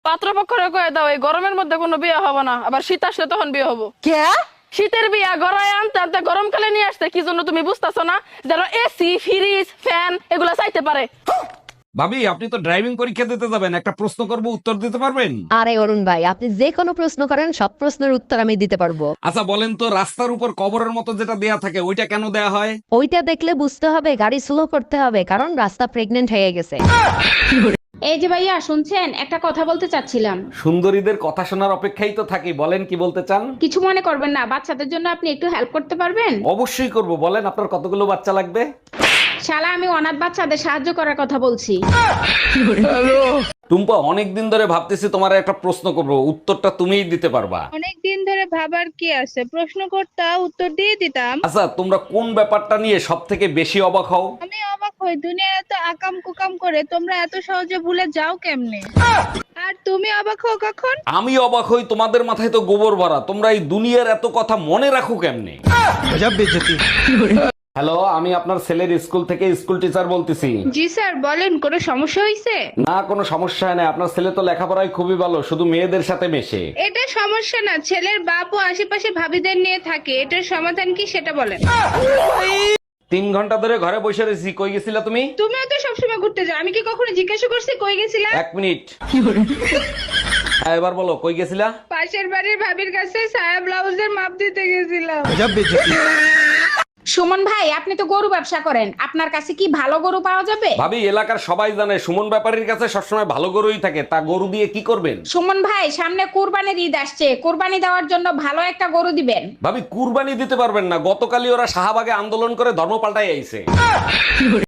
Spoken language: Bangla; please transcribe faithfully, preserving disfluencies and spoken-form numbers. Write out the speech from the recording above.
পাত্রপক্ষরে কয়ে দাও এই গরমের মধ্যে কোনো বিয়ে হবে না, আবার শীত আসলে তখন বিয়ে হবো। কে? শীতের বিয়া গড়ায় আনতে আনতে গরমকালে নিয়ে আসতে, কি জন্য তুমি বুঝতেছো না? যেন এসি ফ্রিজ ফ্যান এগুলা চাইতে পারে। ভাবি, আপনি তো ড্রাইভিং পরীক্ষা দিতে যাবেন, একটা প্রশ্ন করব, উত্তর দিতে পারবেন? আরে অরুণ ভাই, আপনি যে কোনো প্রশ্ন করেন, সব প্রশ্নের উত্তর আমি দিতে পারবো। আচ্ছা বলেন তো, রাস্তার উপর কবরের মতো যেটা দেয়া থাকে ওইটা কেন দেয়া হয়? ওইটা দেখলে বুঝতে হবে গাড়ি স্লো করতে হবে, কারণ রাস্তা প্রেগনেন্ট হয়ে গেছে। এই যে ভাইয়া শুনছেন, একটা কথা বলতে চাচ্ছিলাম। সুন্দরীদের কথা শোনার অপেক্ষাই তো থাকি, বলেন কি বলতে চান। কিছু মনে করবেন না, বাচ্চাদের জন্য আপনি একটু হেল্প করতে পারবেন? অবশ্যই করব, বলেন আপনার কতগুলো বাচ্চা লাগবে? শালা, আমি অনাথ বাচ্চাদের সাহায্য করার কথা বলছি। টুম্পা, অনেকদিন ধরে ভাবতেছি তোমার একটা প্রশ্ন করব, উত্তরটা তুমিই দিতে পারবা। অনেক দিন ধরে ভাবার কি আছে, প্রশ্ন করতা উত্তর দিয়ে দিতাম। আচ্ছা, তোমরা কোন ব্যাপারটা নিয়ে সব থেকে বেশি অবাক হও? আমি অবাক হই, দুনিয়া এত আকাম কুকাম করে তোমরা এত সহজে ভুলে যাও কেমনে? আর তুমি অবাক হও কখন? আমি অবাক হই, তোমাদের মাথায় তো গোবর ভরা, তোমরা এই দুনিয়ার এত কথা মনে রাখো কেমনে? হ্যালো, আমি আপনার ছেলের স্কুল থেকে স্কুল টিচার বলতেছি। জি স্যার বলেন, কোনো সমস্যা হয়েছে? না, কোনো সমস্যা নেই, আপনার ছেলে তো লেখাপড়ায় খুবই ভালো, শুধু মেয়েদের সাথে মেশে। এটা সমস্যা না, ছেলের বাপ ও আশেপাশে ভাবিদের নিয়ে থাকে, এটার সমাধান কি সেটা বলেন। তিন ঘন্টা ধরে ঘরে বসে রয়েছি, কই গেছিলা তুমি? তুমিও তো সবসময় ঘুরতে যাও, আমি কি কখনো জিজ্ঞাসা করছি কই গেছিলা? এক মিনিট। হ্যাঁ, এবার বলো, কই গেছিলা? পাশের বাড়ির ভাবির কাছে সায়া ব্লাউজের মাপ দিতে গেছিলাম। সুমন ভাই, আপনি তো গরু ব্যবসা করেন, আপনার কাছে কি ভালো গরু পাওয়া যাবে? ভাবি, এলাকার সবাই জানে সুমন ব্যাপারীর কাছে সবসময় ভালো গরুই থাকে, তা গরু দিয়ে কি করবেন? সুমন ভাই, সামনে কুরবানির ঈদ আসছে, কুরবানি দেওয়ার জন্য ভালো একটা গরু দিবেন। ভাবি, কুরবানি দিতে পারবেন না, গতকালই ওরা শাহবাগে আন্দোলন করে ধর্ম পাল্টাই আইছে।